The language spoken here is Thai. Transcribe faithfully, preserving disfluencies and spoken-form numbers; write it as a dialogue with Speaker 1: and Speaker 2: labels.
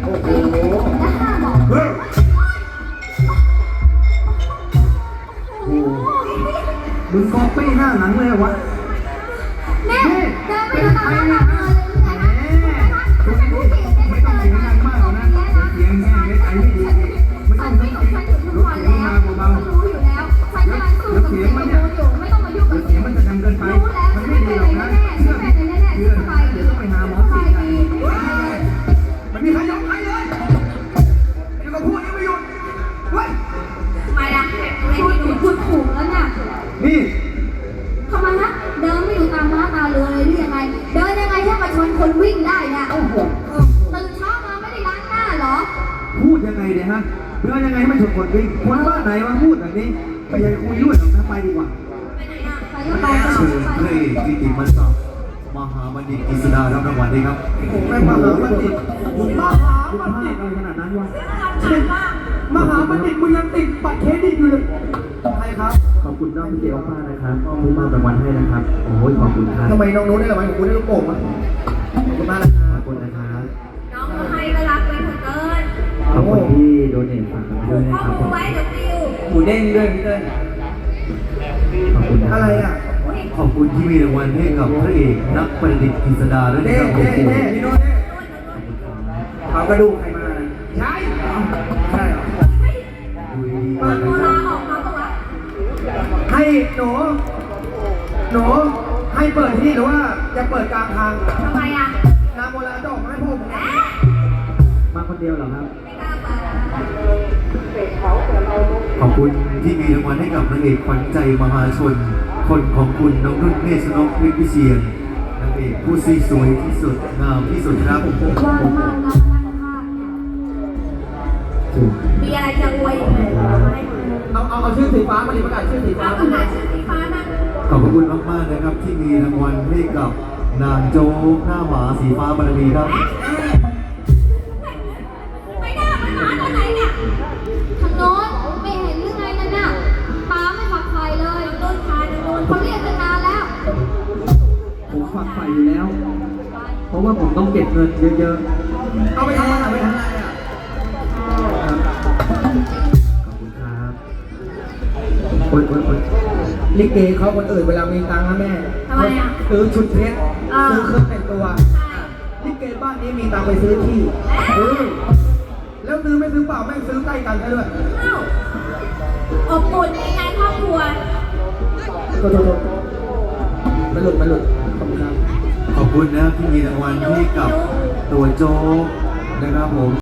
Speaker 1: โอ้โห
Speaker 2: เฮ้ย
Speaker 1: โอ้มึงก๊อปปี้หน้าหนังเลยวะ
Speaker 3: เนี่ยเดินไปดูตามหน้าเลยไงนะคุณเป็นผู้หญิงไม่ต้องเสียงดังมากนะ
Speaker 1: เสียงแห้งเล็กไอ้ไม่ดีไม่ต้องไม่ต้องลดเสียงมาเบาๆ
Speaker 3: รู้อยู่แล้วฉันกำลังสู้กับเสียงมันอยู่ไม่ต้องมายุ่งกับ
Speaker 1: เสียงมันจะดังเกินไปมันไม่ดีหรอกนะเชื่อเชื่อเดี๋ยวต้องไปหาหมอสิมันมีใครยอมใครเลยยังก็พูดยังไม่หยุดเฮ้ย
Speaker 3: ทำไมล่ะพูดพูดถูกแล้วเนี่ย
Speaker 1: นี่
Speaker 3: ทำไมนะเดินไม่ดูตามม้าตาเรือเลยหรือยังไงเดินยังไงให้มาชนคนวิ่งได้เนี่ยโอ้โหตื่นเช้ามาไม่ได้ล้างหน้าเหรอ
Speaker 1: พูดยังไงเนี่ยฮะเรื่องยังไงไม่ถูกคนวิ่งคนบ้านไหนมาพูดแบบนี้ไปยังคุยด้วยหรอกนะไปดีกว่า
Speaker 3: ไปไหนอ่ะไปก็ไปก็
Speaker 2: เชิญ
Speaker 3: ไป
Speaker 2: พระเอกกิติมันศักดิ์มหาบัณฑิตกฤษดารับรางวัลด้วยครับ
Speaker 1: ผมไม่มาหาบัณฑิตผมมหาบัณฑิตอะไรขนาดนั้นวะมหาบัณฑิตมึงยังติดบัตรเครดิตอยู่เลยใครครับขอบคุณน้องพี่เกียวมากนะครับที่มอบรางวัลให้นะครับโอ้ยขอบคุณครับทำไมน้องนู้นได้รางวัลของคุณได้ลูกโป่งอ่ะขอบคุณมากนะครับขอบคุณนะครับ
Speaker 3: น้องก็ให้ก็รักไปเถอะเกิน
Speaker 1: ขอบคุณที่โดเนทฝากมาด้วยนะ
Speaker 3: ข้อ
Speaker 1: ครับ
Speaker 3: มูลไว้เดี๋ยวปิว
Speaker 1: หมูเด้งด้วยพี่เต้นขอบคุณอะไรอ่ะ
Speaker 2: ขอบคุณที่มีรางวัลให้กับพระเอกนักประดิษฐ์กฤษดาด้วยนะครับโอ้โห
Speaker 1: พี่โน้ตเด้เอากระดูกใครมาใช่ใช่เหรอ
Speaker 2: ดูดี
Speaker 3: เปิดโบราณออกมาปะวะ
Speaker 1: ให้หนูหนูให้เปิดที่หรือว่าจะเปิดกลางทาง
Speaker 3: ทำไมอ่ะ
Speaker 1: น้ำโบราณดอกไม้ผมมาคนเดียวเหรอครับ
Speaker 3: ไม่กล้าเปิด
Speaker 2: ขอบคุณที่มีรางวัลให้กับนางเอกขวัญใจมหาชน คนของคุณน้องนุ่นเมฆนกวิทย์วิเชียรนางเอกผู้ซีสวยที่สุดงามที่สุดครับ
Speaker 3: ว่างมากนะมานั่งภาพเนี่ยมีอะไรจะอวยอีกไหมเอามาให้ดู
Speaker 1: เอาเอาเอาชื่อสีฟ้ามาดิประกาศชื่อสีฟ้า
Speaker 3: เอาประกาศชื่อสีฟ้านะ
Speaker 2: ขอบคุณมากๆนะครับที่มีรางวัลให้กับนางโจ๊กหน้าหมาสีฟ้าบารมีครับ
Speaker 3: ไม่ได้มันมาตอนไหนเนี่ยทางโน้นไม่เห็นหรือไงนั่นน่ะป้าไม่ฝักใครเลยโดนพาโดนเขาเรียกตั้งนานแล้ว
Speaker 1: ผมฝักใฝ่อยู่แล้ว เพราะว่าผมต้องเก็บเงินเยอะๆ เอาไปทำอะไรไปทำอะไรอ่ะขอบคุณครับโอ๊ยโอ๊ยโอ๊ยลิเกเขาคนอื่นเวลามีตังค์นะแม่
Speaker 3: ทำไมอ่ะ
Speaker 1: ซื้อชุดเพชร
Speaker 3: อ่า
Speaker 1: ซื้อเครื่องแต่งตัวลิเกบ้านนี้มีตังค์ไปซื้อที่เออแล้วซื้อไม่ซื้อเปล่าไม่ซื้อใกล้กันซะด้วย
Speaker 3: อ้าวอบอุ่นในงานครอบครัว
Speaker 1: โทษโทษโทษมันหลุดมันหลุดขอบคุณครับ
Speaker 2: ขอบคุณนะครับที่มีรางวัลให้กับตัวโจ๊กนะครับผม